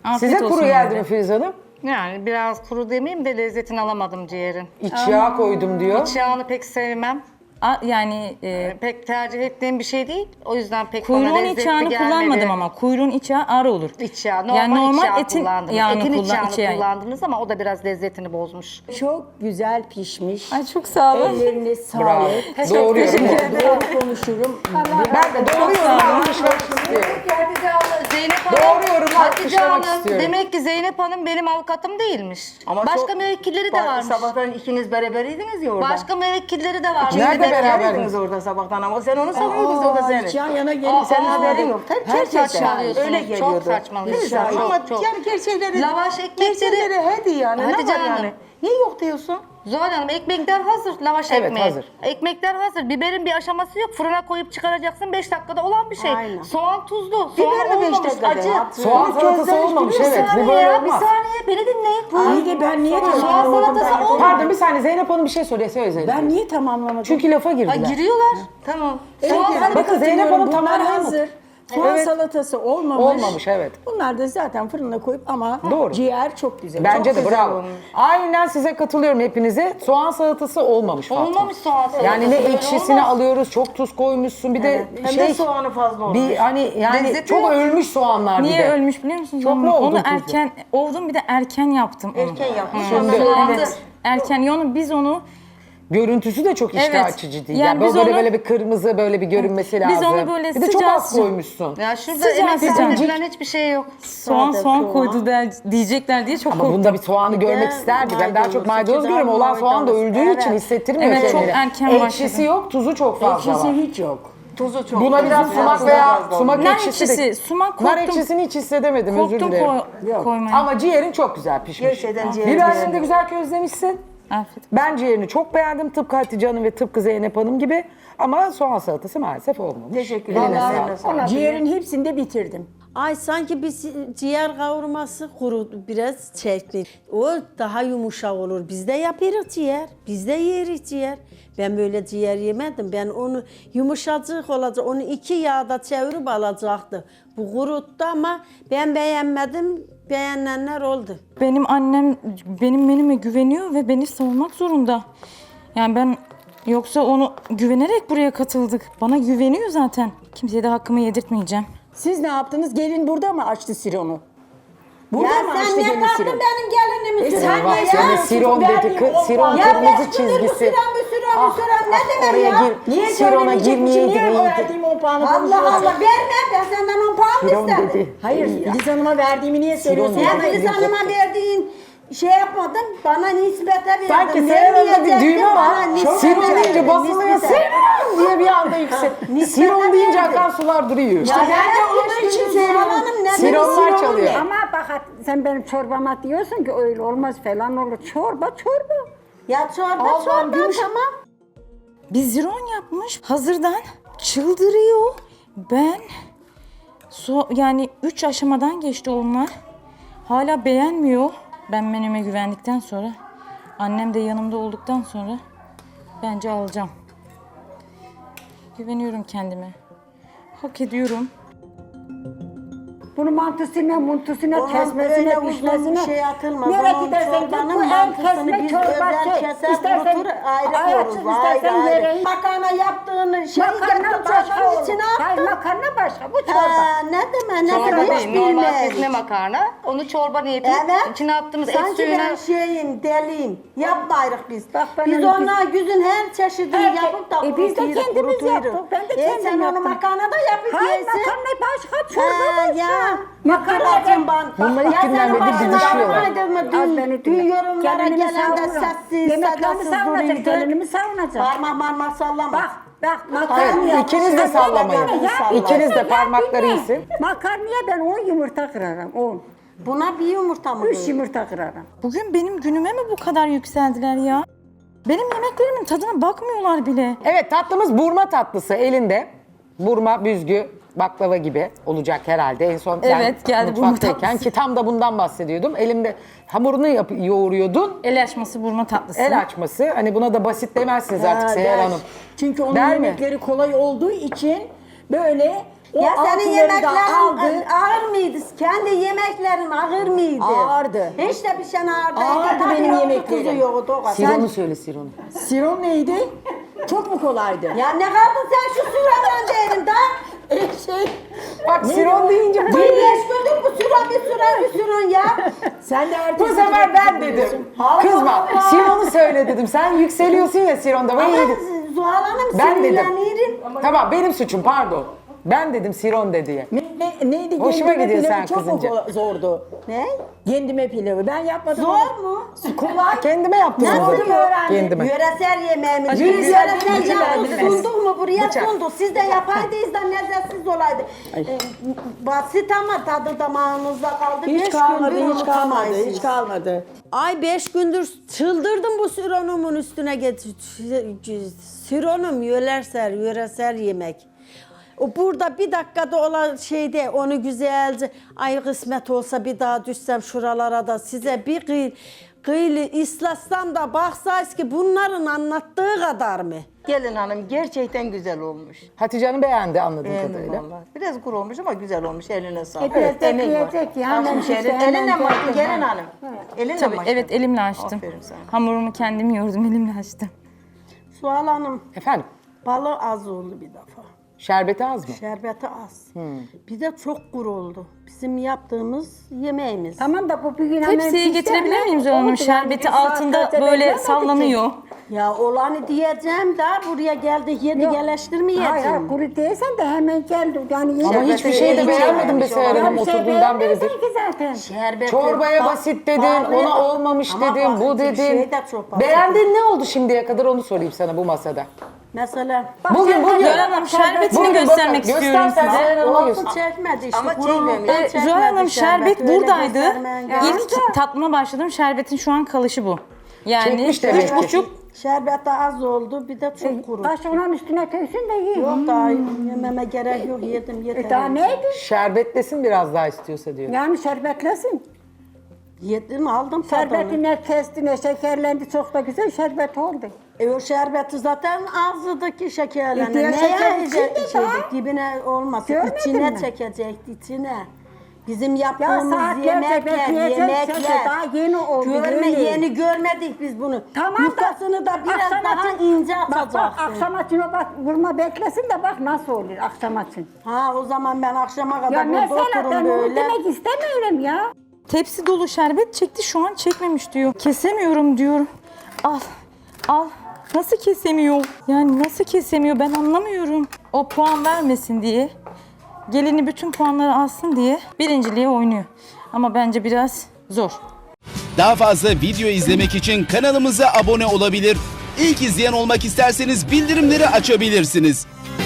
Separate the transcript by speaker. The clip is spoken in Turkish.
Speaker 1: Afiyet
Speaker 2: Size kuru
Speaker 1: olsun
Speaker 2: geldi
Speaker 1: yine
Speaker 2: mi
Speaker 1: de.
Speaker 2: Filiz Hanım?
Speaker 3: Yani biraz kuru demeyeyim de lezzetini alamadım ciğerin.
Speaker 2: İç yağ koydum diyor.
Speaker 3: İç yağını pek sevmem.
Speaker 1: Yani
Speaker 3: Pek tercih ettiğim bir şey değil. O yüzden pek bana
Speaker 1: kuyruğun
Speaker 3: lezzetli
Speaker 1: iç yağını
Speaker 3: gelmedi.
Speaker 1: kullanmadım ama kuyruğun iç yağı ağır olur.
Speaker 3: İç yağı, normal,
Speaker 1: Yani normal
Speaker 3: iç yağı
Speaker 1: etin
Speaker 3: kullandınız.
Speaker 1: yağını
Speaker 3: Etin iç yağını
Speaker 1: iç yağı.
Speaker 3: kullandınız ama o da biraz lezzetini bozmuş.
Speaker 4: Çok güzel pişmiş.
Speaker 1: Ay çok sağ olun.
Speaker 4: Ellerine
Speaker 2: Bravo.
Speaker 4: sağlık.
Speaker 2: Doğruyorum.
Speaker 4: Doğru konuşurum.
Speaker 2: Ben de doğruyorum alkışlamak istiyorum.
Speaker 3: Zeynep Hanım,
Speaker 2: Doğru yorumu
Speaker 3: Hatice
Speaker 2: alkışlamak
Speaker 3: Hanım,
Speaker 2: istiyorum.
Speaker 3: demek ki Zeynep Hanım benim avukatım değilmiş.
Speaker 5: Ama
Speaker 3: Başka
Speaker 5: çok-
Speaker 3: müvekkilleri de varmış.
Speaker 5: Sabahtan ikiniz beraberydiniz ya orada.
Speaker 3: Başka müvekkilleri de varmış.
Speaker 2: Nerede
Speaker 3: Bir de-
Speaker 2: beraber?
Speaker 5: Orada sabahtan ama sen onu sanıyordun o da seni.
Speaker 4: Hiç yan yana gelin.
Speaker 5: Senin haberin yok. Gerçekten
Speaker 3: saçmalıyorsunuz.
Speaker 5: öyle
Speaker 3: Çok
Speaker 5: geliyordu.
Speaker 3: saçmalıyorsunuz.
Speaker 5: Neyse,
Speaker 3: Çok,
Speaker 5: ama
Speaker 3: çok.
Speaker 5: yani gerçekleri...
Speaker 3: Lavaş ekmekleri-
Speaker 5: Gerçekleri hadi yani
Speaker 3: Hatice
Speaker 5: ne var
Speaker 3: Hanım.
Speaker 5: yani? Niye yok diyorsun?
Speaker 3: Zuhal Hanım ekmekler hazır, lavaş
Speaker 2: Evet,
Speaker 3: ekmeği.
Speaker 2: hazır.
Speaker 3: Ekmekler hazır. Biberin bir aşaması yok. Fırına koyup çıkaracaksın 5 dakikada olan bir şey.
Speaker 5: Aynen.
Speaker 3: Soğan tuzlu,
Speaker 5: Biber
Speaker 3: soğan
Speaker 5: de 5
Speaker 3: olmamış,
Speaker 5: dakikada
Speaker 3: acı.
Speaker 5: ya.
Speaker 2: Soğan salatası olmamış evet. Bu
Speaker 3: Bir
Speaker 2: böyle
Speaker 3: ya, bir
Speaker 2: olmaz.
Speaker 3: saniye beni dinleyin.
Speaker 4: İyi de ben niye
Speaker 3: Soğan
Speaker 4: tamamlamadım?
Speaker 3: salatası olmamış.
Speaker 2: Pardon bir saniye Zeynep Hanım bir şey soruyor. Söyle Zeynep.
Speaker 4: Ben niye tamamlamadım?
Speaker 2: Çünkü lafa
Speaker 3: Ha,
Speaker 2: girdiler.
Speaker 3: giriyorlar. Tamam. Soğan
Speaker 4: Evet,
Speaker 3: salatası.
Speaker 2: Bakın Zeynep Hanım
Speaker 4: Bunlar
Speaker 2: tamamlayamadı.
Speaker 4: hazır. Soğan
Speaker 2: Evet.
Speaker 4: salatası olmamış.
Speaker 2: Olmamış, evet.
Speaker 4: Bunlar da zaten fırına koyup ama
Speaker 2: Doğru.
Speaker 4: ciğer çok güzel.
Speaker 2: Bence
Speaker 4: çok
Speaker 2: de
Speaker 4: güzel
Speaker 2: bravo.
Speaker 4: olmuş.
Speaker 2: Aynen size katılıyorum hepinize. Soğan salatası olmamış Fatma.
Speaker 3: Olmamış soğan salatası.
Speaker 2: Yani ne
Speaker 3: Böyle
Speaker 2: ekşisini
Speaker 3: olmaz.
Speaker 2: alıyoruz, çok tuz koymuşsun. Bir de
Speaker 5: Hem
Speaker 2: şey
Speaker 5: de soğanı fazla olmuş.
Speaker 2: bir hani yani
Speaker 3: Lezzeti
Speaker 2: çok
Speaker 3: yok.
Speaker 2: ölmüş soğanlar bir
Speaker 1: Niye
Speaker 2: de.
Speaker 1: ölmüş biliyor musunuz?
Speaker 2: Çok mu
Speaker 1: Onu
Speaker 2: oldun tuzlu?
Speaker 1: erken oldum bir de erken yaptım onu.
Speaker 5: Erken yapmış.
Speaker 2: Şimdi-
Speaker 5: Ondan
Speaker 3: Soğanlı.
Speaker 1: Evet. Erken biz onu
Speaker 2: Görüntüsü de çok iştah
Speaker 1: Evet.
Speaker 2: açıcı değil.
Speaker 1: Yani
Speaker 2: Yani
Speaker 1: biz
Speaker 2: böyle
Speaker 1: onu-
Speaker 2: böyle bir kırmızı böyle bir görünmesi lazım.
Speaker 1: Biz onu böyle
Speaker 2: bir de çok
Speaker 1: sıcak
Speaker 2: az
Speaker 1: sıcak-
Speaker 2: koymuşsun.
Speaker 3: Ya şurada
Speaker 1: Sıcak
Speaker 3: emek
Speaker 1: sıcak.
Speaker 3: verilen hiçbir şey yok.
Speaker 1: soğan koydu diyecekler diye çok
Speaker 2: Ama
Speaker 1: korktum.
Speaker 2: bunda bir soğanı görmek isterdik. Ben daha çok maydanoz görüyorum. Olan soğan da öldüğü için hissettirmiyor
Speaker 1: Evet, çok
Speaker 2: kendini.
Speaker 1: erken
Speaker 2: Ekşisi
Speaker 1: başladım.
Speaker 2: yok, tuzu çok fazla
Speaker 4: Ekşisi
Speaker 2: var.
Speaker 4: hiç yok.
Speaker 5: tuzu çok.
Speaker 2: Buna biraz sumak veya sumak
Speaker 1: Nar
Speaker 2: ekşisi de...
Speaker 1: ekşisi, sumak
Speaker 2: Nar
Speaker 1: korktum.
Speaker 2: ekşisini hiç hissedemedim, özür
Speaker 1: Korktum
Speaker 2: dilerim.
Speaker 1: koymaya.
Speaker 2: Ama ciğerin çok güzel pişmiş.
Speaker 5: Gerçekten ciğerin
Speaker 2: Biberini
Speaker 5: güzel.
Speaker 2: de güzel közlemişsin.
Speaker 1: Afiyet.
Speaker 2: Ben ciğerini çok beğendim. Tıpkı Hatice Hanım ve tıpkı Zeynep Hanım gibi. Ama soğan salatası maalesef olmamış.
Speaker 5: Teşekkür
Speaker 2: Eline
Speaker 5: ederim.
Speaker 2: sağlık.
Speaker 4: Ciğerin hepsini de bitirdim.
Speaker 6: Ay sanki bir ciğer kavurması kuru biraz çekti. O daha yumuşak olur. Biz de yapıyoruz ciğer. Biz de yeriz ciğer. Ben böyle ciğer yemedim. Ben onu yumuşacık olacak. Onu 2 yağda çevirip alacaktı. Bu kuruttu ama ben beğenmedim. Beğenenler oldu.
Speaker 1: Benim annem benim menüme güveniyor ve beni savunmak zorunda. Yani ben yoksa onu güvenerek buraya katıldık. Bana güveniyor zaten. Kimseye de hakkımı yedirtmeyeceğim.
Speaker 4: Siz ne yaptınız? Gelin burada mı açtı sironu? Burada
Speaker 6: Ya
Speaker 4: mı
Speaker 6: sen
Speaker 4: açtı
Speaker 6: ne
Speaker 4: gelin
Speaker 6: taktın
Speaker 4: sironu?
Speaker 6: benim gelinimi
Speaker 4: sen
Speaker 6: süren
Speaker 2: Bak
Speaker 6: ya?
Speaker 2: seni siron dedi. Siron
Speaker 6: Ya
Speaker 2: kırmızı
Speaker 6: ben
Speaker 2: çizgisi.
Speaker 6: süren ne demek
Speaker 2: oraya
Speaker 6: ya?
Speaker 2: gir.
Speaker 4: Niye
Speaker 2: Sirona
Speaker 4: söylemeyecek bir şey?
Speaker 2: girmeye
Speaker 4: Niye
Speaker 2: girmeye.
Speaker 4: verdiğim 10 puanı
Speaker 6: Allah
Speaker 4: konuşuyorsun?
Speaker 6: Allah verme ben senden 10 puan
Speaker 2: Siron
Speaker 6: mı istedim?
Speaker 2: dedi.
Speaker 4: Hayır, Filiz Hanım'a verdiğimi niye söylüyorsun?
Speaker 2: Siron
Speaker 6: Sen
Speaker 2: dedi.
Speaker 6: Filiz Hanım'a verdiğin şey yapmadın, bana nispete verdin.
Speaker 2: Sanki Siron'da bir düğme var.
Speaker 6: nispete
Speaker 2: Siron deyince
Speaker 6: verdin,
Speaker 2: basılıyor.
Speaker 6: nispete.
Speaker 2: Siron diye bir anda yüksek. Siron deyince akan sular duruyor.
Speaker 6: Ya ben de onun için söylüyorum. Ne
Speaker 2: Sironlar
Speaker 6: demek
Speaker 2: çalıyor.
Speaker 6: ne?
Speaker 7: Ama bak sen benim çorbama diyorsun ki öyle olmaz falan olur. Çorba.
Speaker 6: Ya çorba
Speaker 7: Allah'ım,
Speaker 6: çorba
Speaker 7: gümüş-
Speaker 6: tamam.
Speaker 1: Bir ziron yapmış hazırdan çıldırıyor. Ben yani 3 aşamadan geçti onlar. Hala beğenmiyor. Ben menüme güvendikten sonra annem de yanımda olduktan sonra bence alacağım. Güveniyorum kendime. Hak ediyorum.
Speaker 7: Bunu mantısına, muntusuna,
Speaker 6: Ulan
Speaker 7: kesmesine,
Speaker 6: öyle uzun
Speaker 7: pişmesine.
Speaker 6: bir şey atılmaz.
Speaker 7: Nereye
Speaker 6: Onun
Speaker 7: gidersen git
Speaker 6: çorbanın
Speaker 7: bu en
Speaker 6: mantısını
Speaker 7: kesme
Speaker 6: biz
Speaker 7: çorba
Speaker 6: özel
Speaker 7: şey.
Speaker 6: keser,
Speaker 7: İstersen
Speaker 6: kurutur, ayrı
Speaker 7: ayaksız,
Speaker 6: koyarız. Ayrı
Speaker 7: istersen
Speaker 6: ayrı.
Speaker 7: yere.
Speaker 6: Makarna yaptığını şey
Speaker 7: Makarna
Speaker 6: yaptın
Speaker 7: başka
Speaker 6: çorbanın
Speaker 7: olur.
Speaker 6: içine
Speaker 7: Hayır
Speaker 6: attın.
Speaker 7: makarna başka, bu çorba.
Speaker 6: Ha, ne deme ne
Speaker 3: Çorba
Speaker 6: deme hiç
Speaker 3: değil, normal
Speaker 6: bilmeyiz.
Speaker 3: kesme makarna. Onu çorba niyetine
Speaker 6: Evet.
Speaker 3: içine attığımız et
Speaker 6: Sanki
Speaker 3: suyuna...
Speaker 6: ben şeyim, deliyim. Yapmayırız biz.
Speaker 7: Bak ben
Speaker 6: Biz
Speaker 7: öyle
Speaker 6: ona güzün her çeşidini
Speaker 7: Her-
Speaker 6: yapıp da
Speaker 7: biz de
Speaker 6: kurutuyuruz,
Speaker 7: kendimiz
Speaker 6: kurutuyuruz.
Speaker 7: yaptık. Ben de
Speaker 6: Sen
Speaker 7: kendim
Speaker 6: onu
Speaker 7: yaptım.
Speaker 6: makarna da yapıp
Speaker 7: Hayır
Speaker 6: yersin.
Speaker 7: makarna başka, çorba
Speaker 6: Ha,
Speaker 7: başka.
Speaker 6: ya.
Speaker 7: Makarna
Speaker 6: Makarna ban.
Speaker 2: Bunlar ilk
Speaker 6: Ya
Speaker 2: günden
Speaker 6: senin
Speaker 2: beri
Speaker 6: başına
Speaker 2: didişiyorlar.
Speaker 6: ağrımadı mı?
Speaker 7: Az beni
Speaker 6: Dün
Speaker 7: dinle.
Speaker 6: yorumlara
Speaker 7: Gelinimi
Speaker 6: gelen de
Speaker 7: savunurum.
Speaker 6: sessiz,
Speaker 7: Yemeklerimi
Speaker 6: sedasız
Speaker 7: savunacak,
Speaker 6: duruydu.
Speaker 7: gelinimi savunacak.
Speaker 6: Parmak marmak sallama.
Speaker 7: Bak
Speaker 2: Hayır,
Speaker 7: makarnaya.
Speaker 2: ikiniz de sallamayın. İkiniz de parmakları iyisin.
Speaker 7: Makarnaya ben 10 yumurta kırarım, 10.
Speaker 6: Buna bir yumurta mı
Speaker 7: 3
Speaker 6: koyuyor?
Speaker 7: yumurta kırarım.
Speaker 1: Bugün benim günüme mi bu kadar yükseldiler ya? Benim yemeklerimin tadına bakmıyorlar bile.
Speaker 2: Evet tatlımız burma tatlısı elinde. Burma, büzgü, baklava gibi olacak herhalde. En son ben
Speaker 1: Evet, geldi burma
Speaker 2: mutfaktayken
Speaker 1: tatlısı.
Speaker 2: ki tam da bundan bahsediyordum. Elimde hamurunu yoğuruyordun.
Speaker 1: El açması burma tatlısı.
Speaker 2: El açması. Hani buna da basit demezsiniz artık
Speaker 4: Ha,
Speaker 2: Seher
Speaker 4: der.
Speaker 2: Hanım.
Speaker 4: Çünkü onun
Speaker 2: Der mi?
Speaker 4: yemekleri kolay olduğu için böyle O
Speaker 6: Ya senin
Speaker 4: altınları da
Speaker 6: yemeklerin
Speaker 4: aldı.
Speaker 6: ağır mıydı? Kendi yemeklerin ağır mıydı?
Speaker 4: Ağırdı.
Speaker 6: Hiç de bir şey ağırdı.
Speaker 4: Ağırdı
Speaker 6: Tabii
Speaker 4: benim
Speaker 6: yoktu,
Speaker 4: yemeklerim.
Speaker 6: tuzu yoktu o kadar.
Speaker 2: Sironu söyle Sironu.
Speaker 4: Siron neydi? Çok mu kolaydı?
Speaker 6: Ya ne kaldın sen şu sıradan değilim da?
Speaker 2: Bak Siron deyince
Speaker 6: Bir beş gündür bu sıra bir sıra ya.
Speaker 4: Sen de
Speaker 2: bu
Speaker 4: ertesi
Speaker 2: sefer
Speaker 4: gün
Speaker 2: ben
Speaker 4: gidiyorsun.
Speaker 2: dedim. Kızma. Siron'u söyle dedim. Sen yükseliyorsun ya Siron'da. Ben
Speaker 6: Ama
Speaker 2: yedim.
Speaker 6: Zuhal Hanım
Speaker 2: Ben dedim.
Speaker 6: sinirlenirim.
Speaker 2: Tamam benim suçum pardon. Ben dedim Siron de diye.
Speaker 4: Neydi?
Speaker 2: Hoşuma
Speaker 4: Kendime
Speaker 2: gidiyor
Speaker 4: pilavı
Speaker 2: sen
Speaker 4: çok mu
Speaker 2: kızınca.
Speaker 4: zordu?
Speaker 6: Ne?
Speaker 4: Kendime pilavı. Ben yapmadım.
Speaker 6: Zor
Speaker 4: ama-
Speaker 6: mu?
Speaker 4: Kolay.
Speaker 2: Kendime yaptım
Speaker 6: Nasıl
Speaker 2: onu.
Speaker 6: öğrendin?
Speaker 2: Kendime.
Speaker 6: Yöresel yemeğimiz.
Speaker 4: Yöresel
Speaker 6: Yöresel
Speaker 4: yemeğimiz.
Speaker 6: yaptık, sunduk mu buraya
Speaker 2: Bıçak.
Speaker 6: sunduk. Siz de yapaydınız da lezzetsiz olaydı. Basit ama tadı damağınızda kaldı.
Speaker 4: Hiç
Speaker 6: Beş
Speaker 4: kalmadı,
Speaker 6: gündür
Speaker 4: hiç kalmadı,
Speaker 6: unutamayız.
Speaker 4: hiç kalmadı.
Speaker 6: Ay 5 gündür çıldırdım bu sironumun üstüne getir. Sironum yöresel yemek. O burada bir dakikada olan şeyde onu güzelce ay kısmet olsa bir daha düşsem şuralara da size bir kıylı islatsam da baksaydınız ki bunların anlattığı kadar mı?
Speaker 5: Gelin hanım gerçekten güzel olmuş.
Speaker 2: Hatice Hanım beğendi anladığım
Speaker 5: Beğendim
Speaker 2: kadarıyla.
Speaker 5: vallahi. Biraz kuru olmuş ama güzel olmuş. Eline sağlık.
Speaker 7: Biraz
Speaker 5: emek var.
Speaker 7: bekleyecek ya, hemen
Speaker 5: Açmış
Speaker 7: işte,
Speaker 5: elin-
Speaker 7: hemen
Speaker 5: Elinle mi açtın
Speaker 7: bekleyecek.
Speaker 5: gelin hanım? Elinle
Speaker 1: Tabii
Speaker 5: mi açtın?
Speaker 1: evet elimle açtım.
Speaker 5: Aferin sana.
Speaker 1: Hamurumu kendim yoğurdum elimle açtım.
Speaker 6: Sual Hanım
Speaker 2: Efendim
Speaker 6: balı az oldu bir defa.
Speaker 2: şerbeti az mı?
Speaker 6: Şerbeti az. Bir de çok kuru oldu. Bizim yaptığımız yemeğimiz.
Speaker 7: Tamam da bu bir gün hemen
Speaker 1: Tepsiye
Speaker 7: pişti
Speaker 1: getirebilir
Speaker 7: ama
Speaker 1: miyim Zuhal Hanım?
Speaker 7: oldu yani.
Speaker 1: Şerbeti
Speaker 7: Bir saat
Speaker 1: altında
Speaker 7: zaten
Speaker 1: böyle
Speaker 7: beklemedik ki.
Speaker 1: sallanıyor.
Speaker 6: Ya olanı diyeceğim de buraya geldi yedi
Speaker 7: Yok.
Speaker 6: geleştirmeyeceğim.
Speaker 7: Hayır hayır kuru değilsen de hemen geldi. Yani
Speaker 2: Ama hiçbir şey de
Speaker 5: hiç
Speaker 2: beğenmedim be
Speaker 5: yememiş
Speaker 2: Seher Hanım
Speaker 7: bir şey
Speaker 2: oturduğundan beridir.
Speaker 7: beğenmezsin ki zaten.
Speaker 6: Şerbeti,
Speaker 2: Çorbaya
Speaker 6: bak-
Speaker 2: basit dedin,
Speaker 6: bağlı-
Speaker 2: ona olmamış
Speaker 6: Ama
Speaker 2: dedin, bu
Speaker 6: basit bir
Speaker 2: dedin.
Speaker 6: şey de çok basit.
Speaker 2: Beğendiğin ne oldu şimdiye kadar onu sorayım sana bu masada.
Speaker 6: Mesela
Speaker 2: Bugün
Speaker 1: Zuhal Hanım şerbetini
Speaker 2: Bugün
Speaker 1: göstermek
Speaker 2: bakın,
Speaker 1: istiyorum
Speaker 2: göster sen
Speaker 1: size.
Speaker 2: Seher Hanım'a
Speaker 6: olsun
Speaker 2: göster.
Speaker 6: çekmedi işte.
Speaker 5: Ama
Speaker 6: kuruluktan
Speaker 5: çekmemiş.
Speaker 6: çekmedi
Speaker 1: Zuhal Hanım şerbet
Speaker 6: öyle
Speaker 1: buradaydı.
Speaker 6: göstermen lazım.
Speaker 1: İlk tatlıma başladım. Şerbetin şu an kalışı bu. Yani
Speaker 2: Çekmiş demek ki.
Speaker 1: 3,5
Speaker 6: Şerbet de az oldu bir de çok kuru.
Speaker 7: Taş onun üstüne töksün de yiyin.
Speaker 6: Yok daha yememe gerek yok yedim yeter.
Speaker 7: Daha neydi?
Speaker 2: Şerbetlesin biraz daha istiyorsa diyor.
Speaker 7: Yani şerbetlesin.
Speaker 6: Yedim aldım tadını.
Speaker 7: Şerbetine kestine şekerlendi çok da güzel şerbet oldu.
Speaker 6: O şerbeti zaten ağzıdaki şekerlerine.
Speaker 7: diğer şeker içinde daha.
Speaker 6: Dibine olmasın.
Speaker 7: Görmedin
Speaker 6: İçine
Speaker 7: mi?
Speaker 6: çekecekti içine. Bizim
Speaker 7: Ya
Speaker 6: yaptığımız
Speaker 7: saatlerce
Speaker 6: yemekler,
Speaker 7: bekleyeceksin de daha yeni oldu.
Speaker 6: Yeni görmedik biz bunu.
Speaker 7: Tamam
Speaker 6: Yufkasını da biraz
Speaker 7: akşam
Speaker 6: daha
Speaker 7: için-
Speaker 6: ince
Speaker 7: Bak bak
Speaker 6: atacaksın.
Speaker 7: akşam için o bak vurma beklesin de bak nasıl olur akşam için.
Speaker 6: Ha o zaman ben akşama
Speaker 7: Ya
Speaker 6: kadar burada
Speaker 7: mesela ben
Speaker 6: otururum
Speaker 7: onu
Speaker 6: böyle.
Speaker 7: demek istemiyorum ya.
Speaker 1: tepsi dolu şerbet çekti şu an çekmemiş diyor. Kesemiyorum diyor. Al al. Nasıl kesemiyor? Yani nasıl kesemiyor ben anlamıyorum. O puan vermesin diye. Gelini bütün puanları alsın diye birinciliğe oynuyor. Ama bence biraz zor.
Speaker 8: Daha fazla video izlemek için kanalımıza abone olabilir. İlk izleyen olmak isterseniz bildirimleri açabilirsiniz.